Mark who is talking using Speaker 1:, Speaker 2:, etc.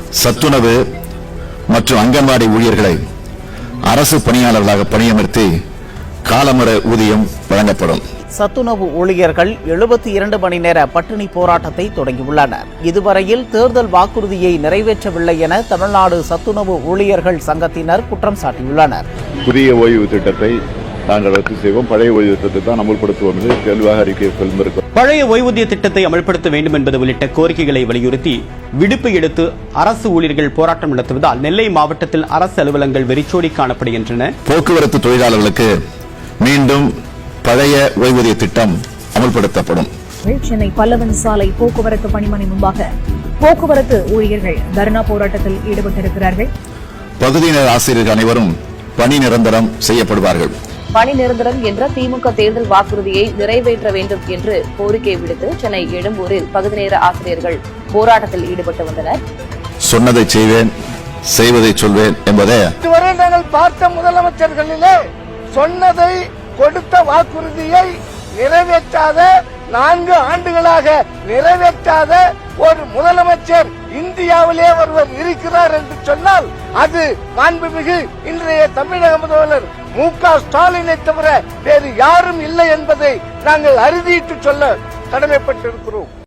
Speaker 1: சத்துணவு மற்றும் அங்கன்வாடி ஊழியர்களை அரசு பணியாளர்களாக பணியமர்த்தி காலமுறை ஊதியம் வழங்கப்படும்.
Speaker 2: சத்துணவு ஊழியர்கள் 72 மணி நேர பட்டினி போராட்டத்தை தொடங்கியுள்ளனர். இதுவரையில் தேர்தல் வாக்குறுதியை நிறைவேற்றவில்லை என தமிழ்நாடு சத்துணவு ஊழியர்கள் சங்கத்தினர் குற்றம் சாட்டியுள்ளனர்.
Speaker 3: புதிய ஓய்வு திட்டத்தை நாங்கள் ரத்து செய்வோம், பழைய ஓய்வு திட்டத்தை தான் அமல்படுத்துவோம் என்று தெளிவாக அறிக்கை சொல்லியிருக்கிறோம்.
Speaker 4: பழைய ஓய்வூதிய திட்டத்தை அமல்படுத்த வேண்டும் என்பது உள்ளிட்ட கோரிக்கைகளை வலியுறுத்தி விடுப்பு எடுத்து அரசு ஊழியர்கள் போராட்டம் நடத்துவதால் நெல்லை மாவட்டத்தில் அரசு அலுவலகங்கள் வெறிச்சோடி காணப்படுகின்றன.
Speaker 1: போக்குவரத்து தொழிலாளர்களுக்கு மீண்டும் பழைய ஓய்வூதிய திட்டம் அமல்படுத்தப்படும்.
Speaker 5: சென்னை பல்லவன் சாலை போக்குவரத்து பணிமனை முன்பாக போக்குவரத்து ஊழியர்கள் தர்ணா போராட்டத்தில் ஈடுபட்டிருக்கிறார்கள்.
Speaker 1: பகுதியினர் ஆசிரியர்கள் அனைவரும் பணி நிரந்தரம் செய்யப்படுவார்கள்.
Speaker 6: பணி நிரந்தரம் என்ற திமுக தேர்தல் வாக்குறுதியை நிறைவேற்ற வேண்டும் என்று கோரிக்கை விடுத்து சென்னை எழும்பூரில் பகுதி நேர ஆசிரியர்கள் போராட்டத்தில் ஈடுபட்டு வந்தனர்.
Speaker 1: சொன்னதை செய்வேன், செய்வதை சொல்வேன் என்பதே
Speaker 7: இதுவரை நாங்கள் பார்த்த முதலமைச்சர்களிலே சொன்னதை கொடுத்த வாக்குறுதியை நிறைவேற்றாத 4 ஆண்டுகளாக நிறைவேற்றாத ஒரு முதலமைச்சர் இந்தியாவிலே ஒருவர் இருக்கிறார் என்று சொன்னால் அது மாண்புமிகு இன்றைய தமிழக முதல்வர் மு.க. ஸ்டாலினை தவிர வேறு யாரும் இல்லை என்பதை நாங்கள் அறுதியிட்டு சொல்ல கடமைப்பட்டிருக்கிறோம்.